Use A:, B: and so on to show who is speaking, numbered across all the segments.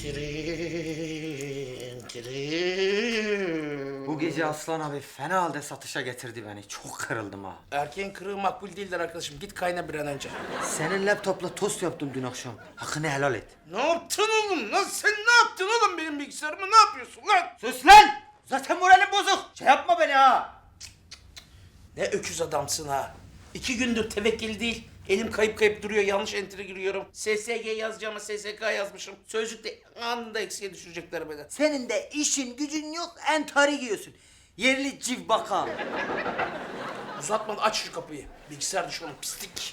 A: Tirin, tirin.
B: Bu gece Aslan abi fena halde satışa getirdi beni. Çok kırıldım ha.
A: Erkeğin kırığı makbul değildir arkadaşım. Git kayna bir an önce.
B: Senin laptopla tost yaptım dün akşam. Hakkını helal et.
A: Ne yaptın oğlum lan? Sen ne yaptın oğlum benim bilgisayarıma? Ne yapıyorsun lan?
B: Sus lan! Zaten moralim bozuk. Şey yapma beni ha.
A: Ne öküz adamsın ha. 2 gündür tevekkil değil. Elim kayıp duruyor. Yanlış enter'e giriyorum. SSG yazacağıma SSK yazmışım. Sözlükte anında eksiye düşürecekler beni.
B: Senin de işin gücün yok, entari giyiyorsun. Yerli civ bakan.
A: Uzatma, aç şu kapıyı. Bilgisayar düşmanı pislik.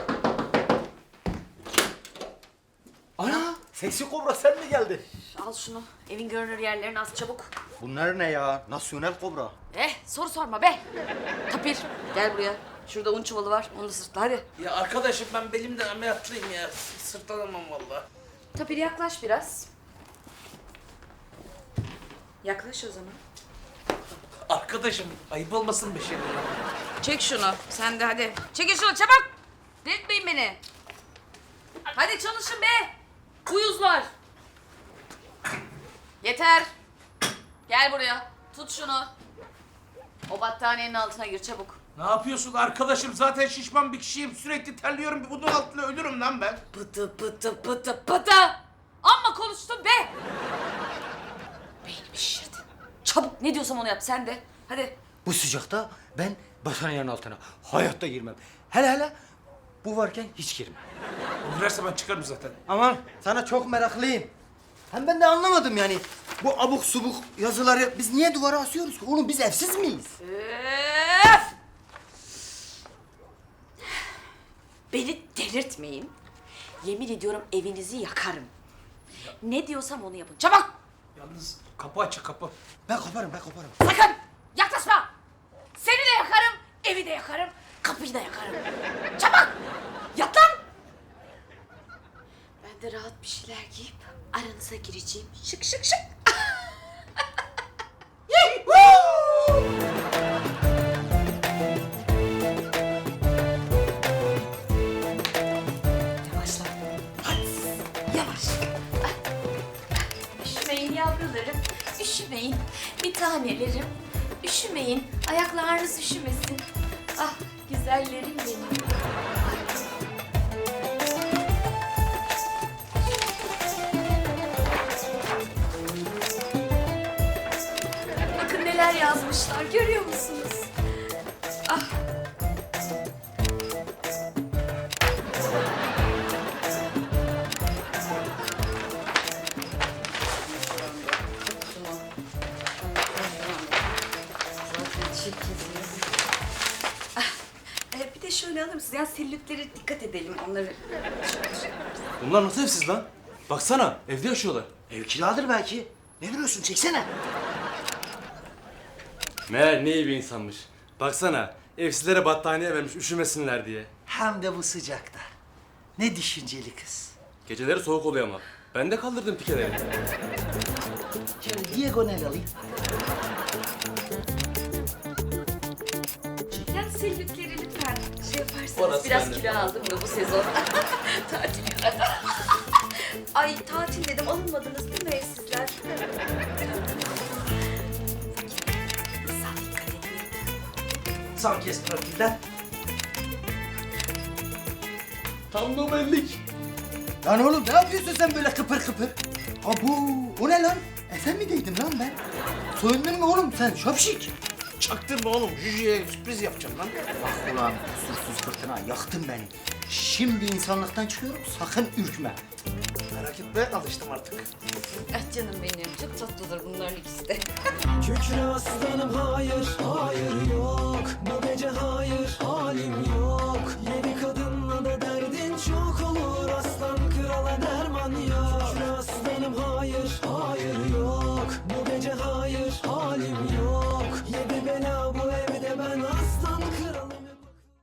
B: Ana! Seksi kobra sen mi geldin?
C: Al şunu. Evin görünür yerlerini az çabuk.
B: Bunlar ne ya? Nasyonel kobra.
C: Soru sorma be. Tapir gel buraya. Şurada un çuvalı var. Onu da sırtla hadi.
A: Ya arkadaşım ben belimden ameliyatlıyım ya. Sırtlanamam vallahi.
C: Tapir yaklaş biraz. Yaklaş o zaman.
A: Arkadaşım ayıp olmasın be şey.
C: Çek şunu. Sen de hadi. Çekin şunu çabuk. Delirtmeyin beni. Hadi çalışın be. Uyuzlar. Yeter. Gel buraya. Tut şunu. O battaniyenin altına gir çabuk.
A: Ne yapıyorsun arkadaşım? Zaten şişman bir kişiyim. Sürekli terliyorum. Bunun altında ölürüm lan ben.
C: Pıtı pıtı pıtı pıtı. Amma konuştun be. Beynimi şişirdin. Çabuk ne diyorsam onu yap sen de. Hadi.
B: Bu sıcakta ben battaniyenin altına hayatta girmem. Hele bu varken hiç girmem.
A: Bu girerse ben çıkarım zaten.
B: Aman sana çok meraklıyım. Hem ben de anlamadım yani. Bu abuk subuk yazıları biz niye duvara asıyoruz ki? Oğlum biz evsiz miyiz?
C: Öf! Beni delirtmeyin. Yemin ediyorum evinizi yakarım. Ne diyorsam onu yapın. Çabuk!
A: Yalnız kapı açık kapı.
B: Ben koparım.
C: Sakın! Yaklaşma! Seni de yakarım, evi de yakarım, kapıyı da yakarım. Çabuk! Yat lan! Ben de rahat bir şeyler giyip aranıza gireceğim. Şık şık şık. Yavaşla. Yavaş. Üşümeyin yavrularım. Üşümeyin. Bir tanelerim. Üşümeyin. Ayaklarınız üşümesin. Ah güzellerim benim. Bakın neler yazmışlar. Görüyor musunuz? Ah. Bir de şöyle alır mısınız? Ya selülitlere dikkat edelim onları.
D: Bunlar nasıl evsiz lan? Baksana evde yaşıyorlar.
B: Ev kiradır belki. Ne duruyorsun? Çeksene.
D: Meğer ne iyi bir insanmış. Baksana evsizlere battaniye vermiş üşümesinler diye.
B: Hem de bu sıcakta. Ne düşünceli kız.
D: Geceleri soğuk oluyor ama. Ben de kaldırdım pikeleri.
B: Şöyle diagonal alayım.
C: Yani selülitleri lütfen şey yaparsanız
D: Orası
C: biraz
D: bende.
C: kilo aldım da bu sezon. Tatil. Ay tatil dedim alınmadınız değil mi evsizler? Sağ dikkat edin.
A: Sağ kes profilden.
D: Tam domellik.
B: Lan oğlum ne yapıyorsun sen böyle kıpır kıpır? Abu o ne lan? Sen mi değdin lan ben? Soyundun mu oğlum sen şapşik?
A: Çaktırma oğlum. Cücüye sürpriz yapacağım lan.
B: Bak ulan kusursuz fırtına yaktın beni. Şimdi insanlıktan çıkıyorum sakın ürkme.
A: Merak etme alıştım artık.
C: Ah canım benim çok tatlıdır bunların ikisi de.
E: Kükre aslanım hayır, hayır yok. Bu gece hayır, halim yok. Yemin